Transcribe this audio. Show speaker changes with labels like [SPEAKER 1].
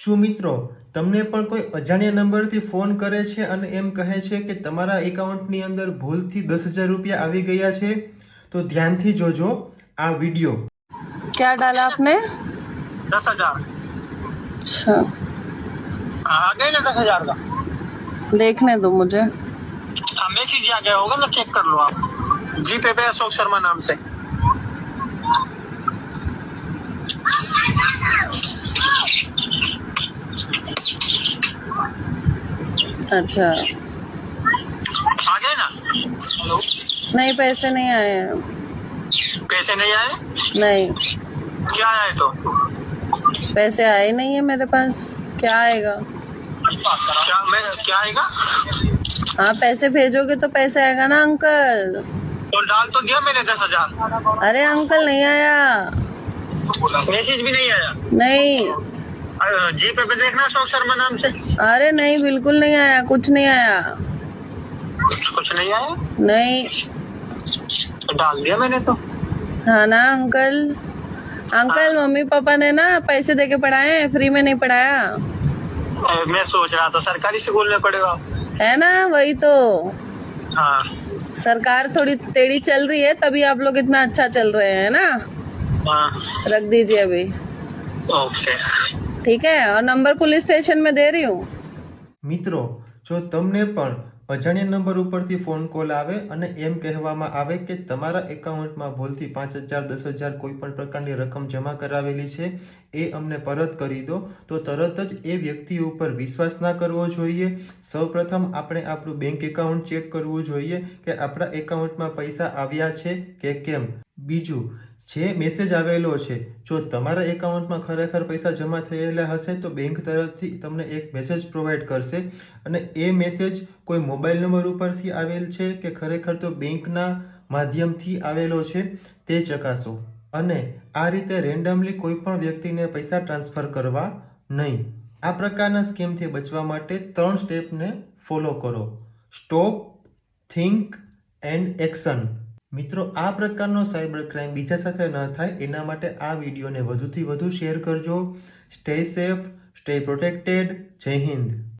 [SPEAKER 1] શું મિત્રો તમને પણ કોઈ અજાણ્યા નંબરથી ફોન કરે છે અને એમ કહે છે કે તમારા એકાઉન્ટની અંદર ભૂલથી 10,000 રૂપિયા આવી ગયા છે? તો ધ્યાનથી જોજો આ વિડિયો।
[SPEAKER 2] क्या डाला आपने?
[SPEAKER 3] 10,000
[SPEAKER 2] अच्छा,
[SPEAKER 3] आ गए ना 10,000 का।
[SPEAKER 2] देखने दो मुझे।
[SPEAKER 3] मैसेज आ गया होगा ना, चेक कर लो आप। जी पे अशोक शर्मा नाम से।
[SPEAKER 2] अच्छा,
[SPEAKER 3] आ गए ना? हेलो,
[SPEAKER 2] नहीं पैसे नहीं आए हैं।
[SPEAKER 3] पैसे नहीं आए?
[SPEAKER 2] नहीं,
[SPEAKER 3] क्या आए तो?
[SPEAKER 2] पैसे आए नहीं है मेरे पास। क्या आएगा?
[SPEAKER 3] क्या आएगा?
[SPEAKER 2] हाँ, पैसे भेजोगे तो पैसे आएगा ना अंकल।
[SPEAKER 3] तो डाल तो दिया मैंने 10,000।
[SPEAKER 2] अरे अंकल नहीं आया।
[SPEAKER 3] मैसेज भी नहीं आया?
[SPEAKER 2] नहीं,
[SPEAKER 3] जी पे देखना अशोक शर्मा नाम से।
[SPEAKER 2] अरे नहीं, बिल्कुल नहीं आया, कुछ नहीं आया।
[SPEAKER 3] कुछ नहीं आया?
[SPEAKER 2] नहीं।
[SPEAKER 3] तो डाल दिया मैंने तो।
[SPEAKER 2] हाँ ना अंकल। अंकल मम्मी पापा ने ना पैसे देके पढ़ाए हैं, फ्री में नहीं पढ़ाया
[SPEAKER 3] मैं सोच रहा था सरकारी स्कूल में पढ़ेगा।
[SPEAKER 2] है ना, वही तो।
[SPEAKER 3] हाँ,
[SPEAKER 2] सरकार थोड़ी टेढ़ी चल रही है, तभी आप लोग इतना अच्छा चल रहे हैं ना।
[SPEAKER 3] हाँ,
[SPEAKER 2] रख दीजिए अभी,
[SPEAKER 3] ओके।
[SPEAKER 2] ठीक है। और नंबर पुलिस स्टेशन में दे रही हूँ।
[SPEAKER 1] મિત્રો જો તમને પણ અજાણ્યા નંબર ઉપરથી ફોન કોલ આવે અને એમ કહેવામાં આવે કે તમારા એકાઉન્ટમાં ભૂલથી 5,000 10,000 કોઈ પણ પ્રકારની રકમ જમા કરાવેલી છે, એ અમને પરત કરી દો, તો તરત જ એ વ્યક્તિ ઉપર વિશ્વાસ ના કરવો જોઈએ। સૌપ્રથમ આપણે આપણું બેંક એકાઉન્ટ ચેક કરવું જોઈએ કે આપણા એકાઉન્ટમાં પૈસા આવ્યા છે કે કેમ। બીજું, જે મેસેજ આવેલો છે, જો તમારા એકાઉન્ટમાં ખરેખર પૈસા જમા થયેલા હશે તો બેંક તરફથી તમને એક મેસેજ પ્રોવાઈડ કરશે અને એ મેસેજ કોઈ મોબાઈલ નંબર ઉપરથી આવેલ છે કે ખરેખર તો બેંકના માધ્યમથી આવેલો છે તે ચકાસો। અને આ રીતે રેન્ડમલી કોઈ પણ વ્યક્તિને પૈસા ટ્રાન્સફર કરવા નહીં। આ પ્રકારના સ્કેમથી બચવા માટે 3 સ્ટેપને ફોલો કરો: સ્ટોપ, થિંક એન્ડ એક્શન। મિત્રો, આ પ્રકારનો સાયબર ક્રાઇમ બીજા સાથે ન થાય એના માટે આ વિડીયોને વધુથી વધુ શેર કરજો। Stay safe, stay protected. જય હિન્દ।